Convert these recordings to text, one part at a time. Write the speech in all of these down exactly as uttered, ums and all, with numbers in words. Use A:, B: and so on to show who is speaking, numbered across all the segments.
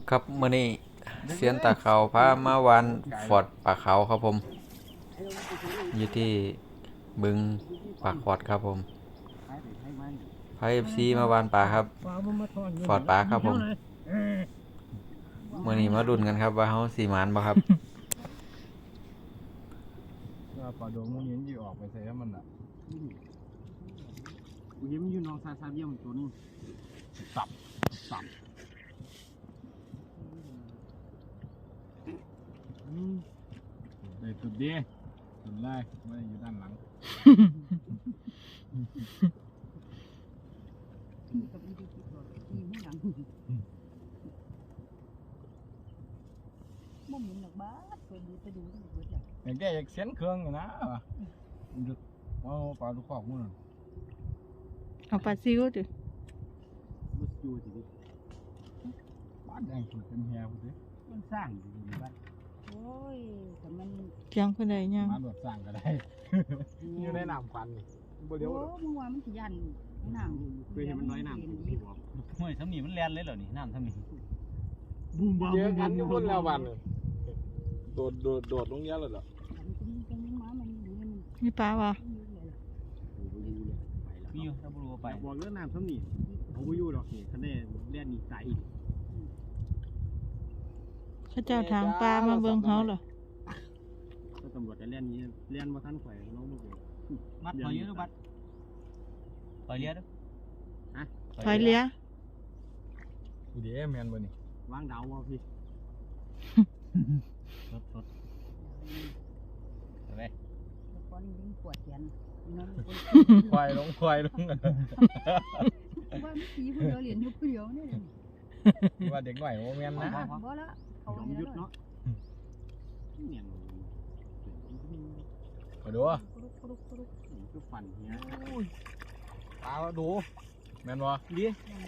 A: ครับมื้อนี้เซียนตาเขาพามาวันฟอร์ดปากเขาครับผมอยู่ที่บึงปากฟอร์ดครับผมพาเอฟซีมาวานปลาครับฟอร์ดปลาครับผมมื้อนี้มาดุนกันครับว่าเฮาสิหมานบ่ครับ
B: ปลาโดงมันยังยี่ออกไปใส่แล้วมันอ่ะ
C: กูยิ้มอยู่น้องซาซาเบี้ยมตัวนึงสับสับ
B: เลยตุดดีตุดไล่ไม่ได้อยู่ด้านหลัง
D: บ่เหม็นหรอกบ้าเคยดูไปดูที่เบิดแล้ว
B: อย่างแกอยากเสียนเครื่องอยู่นะเอาปลาลูกขอกมั้ง
D: เอาปลาซิวดิ
C: มุดอยู่สิ
B: บ้านแดงสุดเป็นแฮวสิ
C: มันสร้างอยู่ในบ้าน
D: โอ้ยแต่มัน
B: เพียงคนใดยังมาแบบสร้างก็ได้อยู่ในน้ำควันนี่บ่เดียว
D: โอ้เมื่อวานมันสิยันน้ำ
C: เคยเห็นมันน้อยน้ำที่หัว
E: ห้วยทำนี่มันแลนเลยเหรอนี่น้ำทำนี่
C: บูมบ้า
B: เจอกันทุกคนแล้ววันโดดโดดโดดลงเยอะเลยเหรอ
D: มีปลาวะ
E: มีอยู่ถ้าบุรุษไป
C: บอกเรื่องน้ำซ้ำนี่เขาไม่อยู่หรอกนี่คะแนนเล่นนี่ตายอีก
D: ข้าเจ้าทางปลามาเบิ่งเขาเหรอ
C: ก็ตำรวจจะเล่นนี้เล่นมาท่านข่อยน้องลูกเลย
E: มัดถอยเยอะด้วยบัดถอยเลี้ยด้วย
D: ฮะถอยเลี้ย
B: เดี๋ยวแมนบ่นี่
C: วางดาววะพี่
E: สดสดไป
D: ตอนนี้ยิ่งปวดแขน
B: ควายลงควายลง
D: ว่าไม่สีผู้เดียวเหรียญยุบผู้เดียวนี่
B: ว่าเด็กหน่อยโมเมนนะ
D: บ่ละเขา
C: ยอมยุดเนาะเนียน
B: มาดู
C: ก็ฟันเนี้ย
B: ตาดูแมนบ่
C: ดี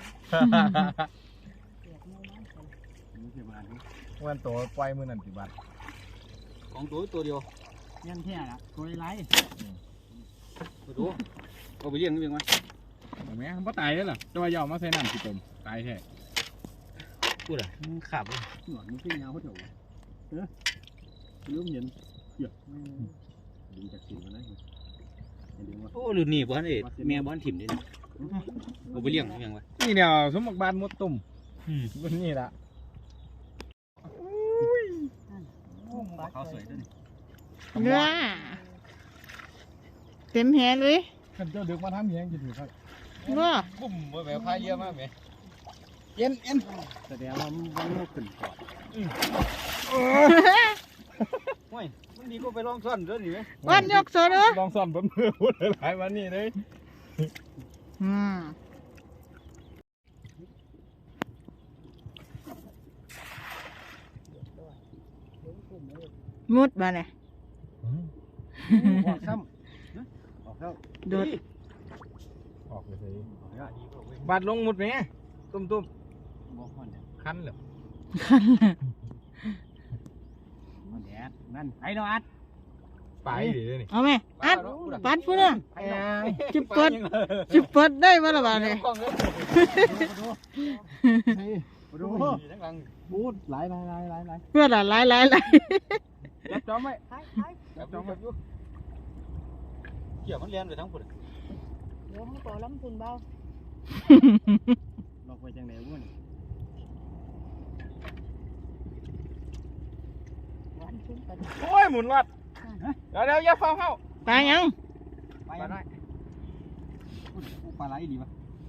B: วันตัวปล่อยมือนั่นสิบาท
E: ของตัวตัวเดียว
C: เงี้ยแค่ละตัวไร
E: มาดูเอาไปเลี้ยงนี่เป็นไง
B: เห็นไหมมันก็ตายแล้วล่ะจะมายอมมาใส่น้ำสิจมตายแท้
E: พูดอ่ะมึงขับเลย
C: หนวดมึงขึ้นยาวเขาเถอะเออเริ่มเห็นเหี้ยดึงจากสินมาได้
E: โอ้หรือหนีบ้านเอ๋แม่บ้านถิ่มนี่เอาไปเลี้ยงนี่ยังไง
B: นี่เดียวสมบัติบ้านมดตุ่มบนนี่ละ
E: เขาสวยด้วย
D: เนื้อเต็มแหเลย
B: ขันเจ้าดึกมาทำเหี้ยงจะถือครับ
D: ว่า
B: บุ่มแบบพายเยอะมากไหมเอ็นเอ็น
C: แสดงว่ามันโลกขึ้นก่อน
E: โอ้ยมันดีก็ไปลองซ่อนด้วยนี่ไหม
D: วันยกโซ่เด้อ
B: ลองซ่อนบนมือพูดหลายวันนี่เลย
D: อืมมุดมาเนี่ย
C: ออกซ้ำออกแล้ว
D: โดด
B: ออกเลยบาดลงมุดไหมตุ้มตุ้มคันเหรอ
D: คันเลย
C: แดดนั่นไอ้เราอัด
B: ไปดิเลยนี่
D: เอาไหมอัดปัดพูดนะจุดเปิดจุดเปิดได้มาละบาทเลย
C: ดูบูดไหลไหลไหลไหลไหล
D: เพื่อนอะไหลไหลไหล
C: จับจอมไว้
E: จับจอมไว้เกี่ยวมันเลี้ยงไปทั้งหมด
D: เดี๋ยวเขาต่อล้ำทุนเบา
C: ลอกไปจังไหนวุ้น
B: โอ้ยหมุนวัดเดี๋ยวเดี๋ยวอย่าฟังเข้า
D: ตายยัง
C: ไปได้ปลาไหลดีปะ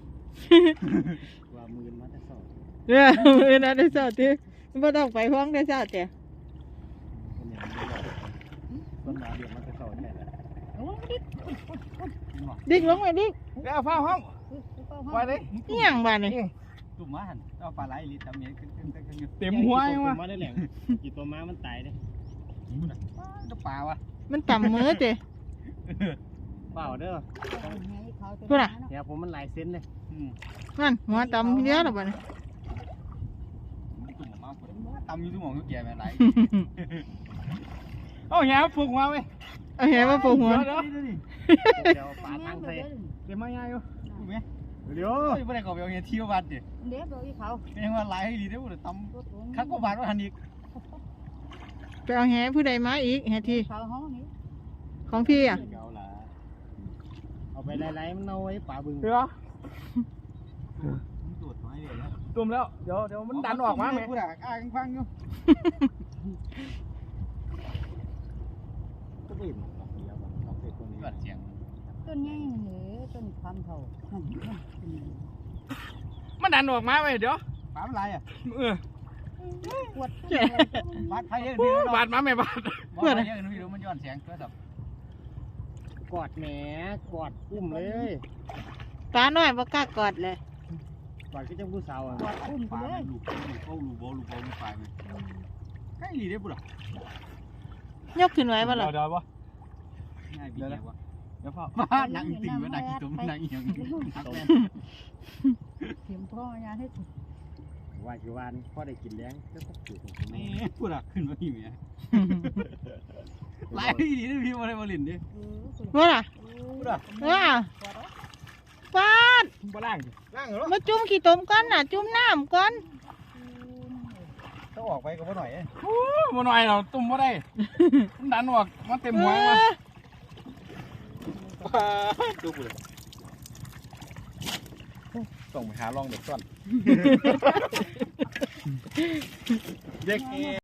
C: ว่ามือมาแต่สอด
D: เออมือนั่นได้สอดที่ไม่ต้องไปห้องได้สอดเจ้
C: ต้นหนาเดือดมันจะสอนแน่เลย
D: ดิ้งลงไปดิ้ง
B: เดี๋ยวฟ้าห้องไปเลย
D: นี่ยังบ้านนี่
E: ตุ่มมาหันเอาปลาไหลลิตรเมียขึ้นขึ้นขึ้นอยู่
B: เต็มหัวยังวะ
C: มาได้แหล่งกี่ตัวม้ามันตายเลย
E: จะปลาวะ
D: มันต่ำมือเจ้
C: เปล่าเด้อ
D: พูดอ่ะ
C: เดี๋ยวผมมันหลายเซนเลย
D: นั่นหัวต่ำเยอะหรอบ้านนี่
E: ตุ่มมาต่ำอยู่ตุ่มของทุกแก่แบบไหล
B: เอาแหวผูกมาเว้ย
D: เอาแหวมาผูกหัว
C: เดี๋ยวปลาทางใส่
B: เดี๋ยวมาง่ายอยู่
C: ถูกไหมเดี๋ยว
E: เฮ้ยบ่ได้เขาไปเอาเงี้ยเที่ยวบ้านดิ
F: เดี๋ยวบอกอีเขา
E: ยังว่าหลายดีเด้อบ่ได้ตำคักกว่าบาทว่าหันอีก
D: ไปเอาแหผู้ใดมาอีกแหที
F: เขาห้องนี้
D: ของพี่อ่ะ
C: เกาล่ะเอาไปไล่ๆมันเอาไว้ป่าบึง
B: เดี๋ยว
E: ตรวจไว้เลยนะ
B: ตุ่มแล้วเดี๋ยวเดี๋ยวมันดันออกมาแม่
E: พูดอ่ะอ้างฟังอยู่
C: ก็ไม่เห็นดอกเดียวอะดอกเด็กตัวนี้
E: ยอดเสียง
F: ต้นใหญ่เหนือต้นความเท่า
B: มันดันออกมาเว้ยเดี๋ยว
E: ปามอะไรอ่ะ
B: เออ
F: ปวด
E: บาดไผเยอะ
B: โอ้
E: นี่
B: บาดมาแม่บาด
E: บาดเยอะนี่รู้มันย้อนเสียงโทรศัพท์
C: กอดแหมกอดอุ้มเลย
D: ปลาน้อยบ่กล้ากอดเลย
C: กอดก็จังผู้สาวอ่ะ
F: ปวดอุ้มไป
E: ปา
F: เลย
E: ลูกลูกเขาลูกบ่ลูกบ่ลูกปลายมั้ยใกล้ดีเด้อพุ่นอ่ะ
D: ยกขึ้นไว้บ่ล่ะ
B: เดี๋ยวบ่
E: ง่ายดีแล้ว่า
B: เดี๋ยวพ่อ
E: มานั่งติ่งมานั่งกินต้มนั่งอีหยังนักแม่น
F: เข็มพ่อยาให้ถูก
C: ว่าคือว่านี่พ่อได้กินแรงก็ต้องถือของ
E: แม่พุ่นอ่ะขึ้นมาพี่แม่หลายดีเด้อพี่บ่ได้มาเล่นดิ
D: ว่าล่ะ
E: พุ่นอ่ะ
D: ว่าปาด
B: บ่ล่างดิ
E: นั่งเหรอ
D: มาจุ่มขี้ต้มก่อนน่ะ จุ่มน้ำก่อน
E: ต้องออกไปก็บ่หน่อย
B: โอ้บ่หน่อยเราตุ่มบ่ได้มันดันออกมันเต็มหัวมา
E: ดูพุ่น
B: ต้องไปหาลองเด็กก่อน
E: เด็ก